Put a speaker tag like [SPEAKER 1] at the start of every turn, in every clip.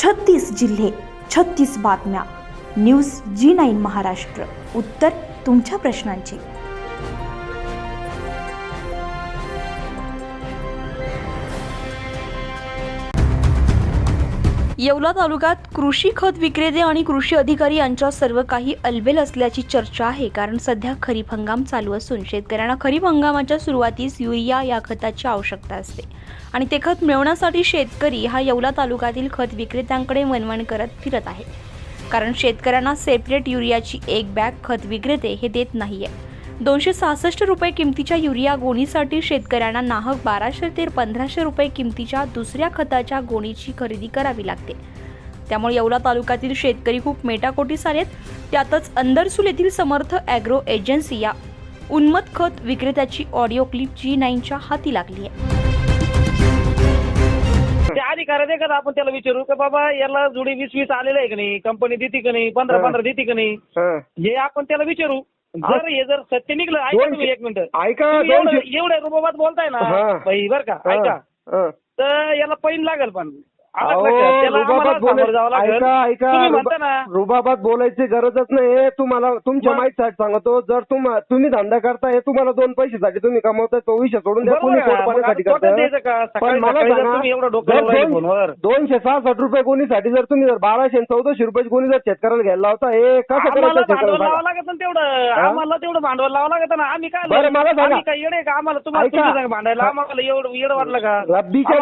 [SPEAKER 1] 36 जिल्हे, 36 बातम्या. News G9 Maharashtra. उत्तर तुमच्या प्रश्नांची. येवला तालुक्यात कृषी खत विक्रेते आणि कृषी अधिकारी यांच्या सर्व काही अलबेल असल्याची चर्चा आहे. कारण सध्या खरीप हंगाम चालू असून शेतकऱ्यांना खरीप हंगामाच्या सुरुवातीस युरिया या खताची आवश्यकता असते आणि ते खत मिळवण्यासाठी शेतकरी हा येवला तालुक्यातील खत विक्रेत्यांकडे वणवण करत फिरत आहे. कारण शेतकऱ्यांना सेपरेट युरियाची एक बॅग खत विक्रेते हे देत नाहीये. 266 रुपये किमतीच्या युरिया गोणीसाठी शेतकऱ्यांना नाहक 1200 ते 1500 रुपये किमतीच्या दुसऱ्या खताच्या गोणीची खरेदी करावी लागते. त्यामुळे येवला तालुक्यातील शेतकरी खूप मेटाकोटीस आलेत. त्यातच अंदरसूल येथील समर्थ ॲग्रो एजन्सी या उन्मत्त खत विक्रेत्याची ऑडिओ क्लिप G9च्या हाती लागली आहे.
[SPEAKER 2] ते अधिकारी आहे का आपण त्याला विचारू का बाबा याला जोडी 20-20 आलेलं आहे का नाही, कंपनी देते का नाही, 15-15 देते का नाही, हे आपण त्याला विचारू. जर हे जर सत्य निघलं, ऐका तुम्ही एक मिनिट,
[SPEAKER 3] ऐका,
[SPEAKER 2] एवढ्या रुबाबात बोलताय ना बाई बर का, ऐका, तर याला पैन लागेल. पण
[SPEAKER 3] रुबाबात बोलायची गरजच नाही. तुम्हाला तुमच्या माहितीसाठी सांगतो, जर तुम्ही धंदा करताय, तुम्हाला 2 पैशासाठी तुम्ही कमवताय, तो विषय सोडून द्या. कोणी पोटपाण्यासाठी करताय. पण मला सांगा, 266 रुपये कोणीसाठी जर तुम्ही जर 1200-1400 रुपये कोणी जर शेतकऱ्याला घ्यायला लावता, हे कसं करायचं?
[SPEAKER 2] लावावं लागत तेवढं, आम्हाला तेवढं भांडवल लावावं लागत ना. आम्ही काय
[SPEAKER 3] मला सांगा,
[SPEAKER 2] काय येडे का आम्हाला? तुम्हाला भांडायला आम्हाला एवढं येडं वाटलं का?
[SPEAKER 3] रब्बीच्या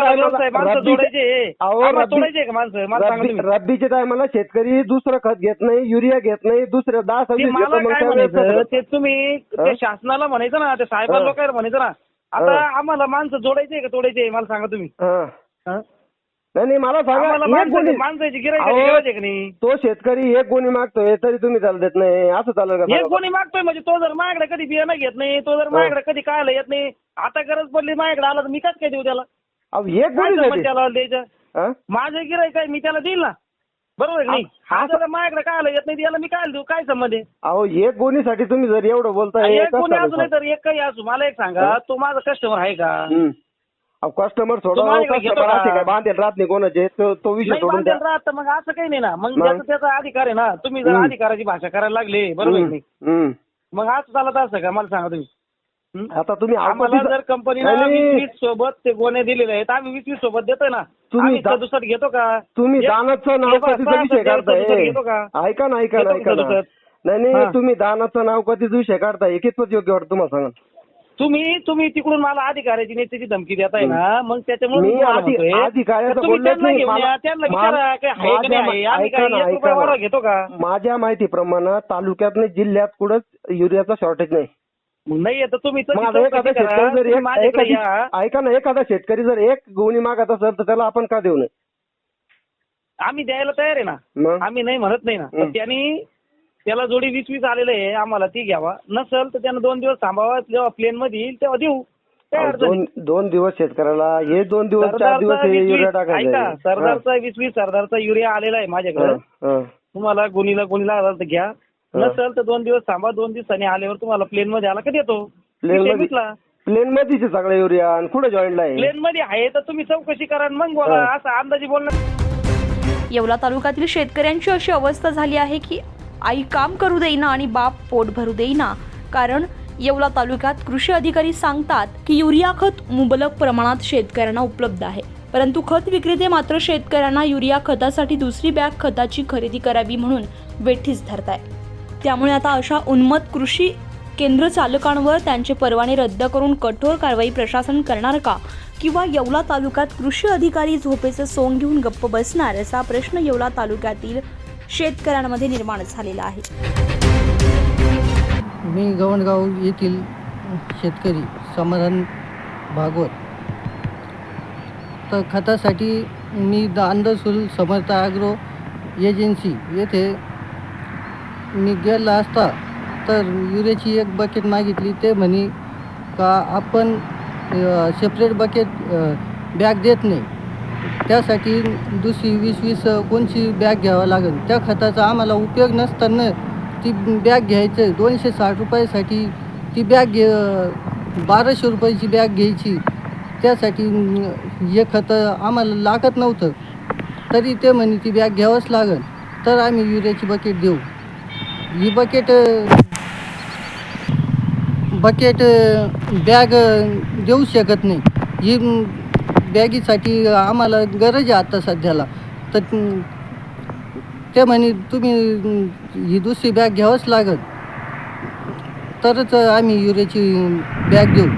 [SPEAKER 3] रब्बीच्या टायमाला शेतकरी दुसरं खत घेत नाही, युरिया घेत नाही, दुसरं 10-26
[SPEAKER 2] ते तुम्ही ते शासनाला म्हणायचं ना, ते साहेब लोकांना म्हणायचं ना. आता आम्हाला माणसं जोडायचे का तोडायचे मला सांगा तुम्ही.
[SPEAKER 3] नाही मला सांगा,
[SPEAKER 2] माणसाची गिरायक नाही.
[SPEAKER 3] तो शेतकरी एक गोणी मागतोय तरी तुम्ही त्याला देत नाही, असं चालेल का?
[SPEAKER 2] एक गोणी मागतोय म्हणजे तो जर माझ्याकडे कधी बियाणं घेत नाही, तो जर माझ्याकडे कधी कायला येत नाही, आता गरज पडली माझ्याकडे आला तर मी काय देऊ त्याला?
[SPEAKER 3] एक गोणी
[SPEAKER 2] त्याला द्यायचं? माझं गिरायक आहे, मी त्याला देईल ना, बरोबर नाही? हा जर माझ्याकडे कायला येत नाही याला मी काय देऊ? काय संबंध आहे?
[SPEAKER 3] अहो, एक गोणीसाठी तुम्ही जर एवढं बोलताय,
[SPEAKER 2] एक गोणी असू नाही तर एक काही असू. मला एक सांगा, तो माझा कस्टमर आहे का?
[SPEAKER 3] कस्टमर सोडून बांधेल राहत नाही कोणाचे, तो विषय सोडून
[SPEAKER 2] राहत. मग असं काही नाही ना, मग त्याचा अधिकार आहे ना. तुम्ही जर अधिकाराची भाषा करायला लागले, बरोबर नाही, मग असं चालत असं का? मला सांगा तुम्ही.
[SPEAKER 3] आता तुम्ही
[SPEAKER 2] आम्हाला जर कंपनीला 20-20 सोबत ते गोणे दिलेले आहेत, आम्ही 20-20 सोबत देतोय ना. तुम्ही दुसरं घेतो का?
[SPEAKER 3] तुम्ही दानाचं नाव कधीचा विषय काढताय? ऐका ना, नाही तुम्ही दानाचं नाव कधीच विषय काढताय, कितपत योग्य वाटतं तुम्हाला सांगा?
[SPEAKER 2] तुम्ही तिकडून मला अधिकाऱ्याची नेत्याची धमकी देताय ना, मग त्याच्यामुळे घेतो का?
[SPEAKER 3] माझ्या माहितीप्रमाणे तालुक्यात जिल्ह्यात कुठंच युरियाचा शॉर्टेज नाही.
[SPEAKER 2] नाही तर तुम्ही
[SPEAKER 3] ऐका ना, एखादा शेतकरी जर एक गोणी मागत असेल तर त्याला आपण का देऊ नये?
[SPEAKER 2] आम्ही द्यायला तयार आहे ना, आम्ही नाही म्हणत नाही ना. त्यांनी त्याला जोडी 20-20 आलेलं आहे, आम्हाला ती घ्यावा. नसेल तर त्यानं 2 दिवस थांबावा, जेव्हा प्लेन मध्ये येईल तेव्हा देऊ.
[SPEAKER 3] 2 दिवस शेतकऱ्याला, हे 2 दिवस 4 दिवस युरिया टाकायचा.
[SPEAKER 2] सरदारचा 20-20 सरदारचा युरिया आलेला आहे माझ्याकडे. तुम्हाला गोणीला आला तर घ्या, नसेल तर 2 दिवस थांबा. 2 दिवसांनी आल्यावर तुम्हाला प्लेन मध्ये आला का देतो.
[SPEAKER 3] प्लेन मध्ये सगळं युरिया आणि कुठे जॉईंटला आहे?
[SPEAKER 2] प्लेन मध्ये आहे तर तुम्ही चौकशी करा मग बोला, असं अंदाजी बोलणं.
[SPEAKER 1] येवला तालुक्यातील शेतकऱ्यांची अशी अवस्था झाली आहे की आई काम करू देईना आणि बाप पोट भरू देईना. कारण येवला तालुक्यात कृषी अधिकारी सांगतात की युरिया खत मुबलक प्रमाणात शेतकऱ्यांना उपलब्ध आहे, परंतु खत विक्रेते मात्र शेतकऱ्यांना युरिया खतासाठी दुसरी बॅग खताची खरेदी करावी म्हणून वेठीस धरताय. त्यामुळे आता अशा उन्मत्त कृषी केंद्र चालकांवर त्यांचे परवाने रद्द करून कठोर कारवाई प्रशासन करणार का, किंवा येवला तालुक्यात कृषी अधिकारी झोपेचं सोंग घेऊन गप्प बसणार, असा प्रश्न येवला तालुक्यातील शेतकऱ्यांमध्ये निर्माण झालेला आहे.
[SPEAKER 4] मी गवणगाव येथील शेतकरी समाधान भागवत. तर खतासाठी मी अंदरसूल समर्थ ॲग्रो एजन्सी येथे मी गेला असता तर युरियाची एक बकेट मागितली. ते म्हणे का आपण सेपरेट बकेट बॅग देत नाही, त्यासाठी दुसरी 20-20 कोणची बॅग घ्यावं लागेल. त्या खताचा आम्हाला उपयोग नसताना ती बॅग घ्यायचं. 260 रुपयासाठी ती बॅग 1200 रुपयाची बॅग घ्यायची. त्यासाठी हे खतं आम्हाला लागत नव्हतं. तरी ते म्हणे ती बॅग घ्यावंच लागेल तर आम्ही युरियाची बकेट देऊ. ही बकेट बॅग देऊ शकत नाही. ही बॅगीसाठी आम्हाला गरज आहे आता सध्याला. तर ते म्हणे तुम्ही ही दुसरी बॅग घ्यावंच लागेल तरच आम्ही युरियाची बॅग देऊ.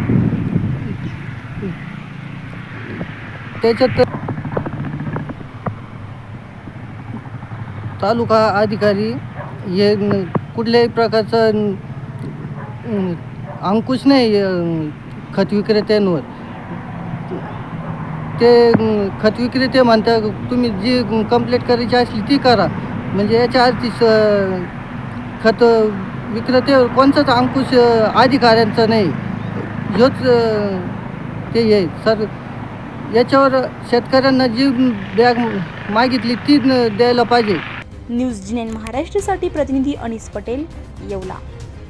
[SPEAKER 4] त्याच्यात तालुका अधिकारी हे कुठल्याही प्रकारचा अंकुश नाही खत विक्रेत्यांवर. ते खत विक्रेते म्हणतात तुम्ही जी कंप्लेंट करायची असली ती करा. म्हणजे याच्या आधी खत विक्रेत्यावर कोणताच अंकुश अधिकाऱ्यांचा नाही. ह्योच ते आहे सर. याच्यावर शेतकऱ्यांना जी बॅग मागितली ती द्यायला पाहिजे.
[SPEAKER 1] न्यूज 9 महाराष्ट्रासाठी प्रतिनिधी अनिस पटेल, येवला.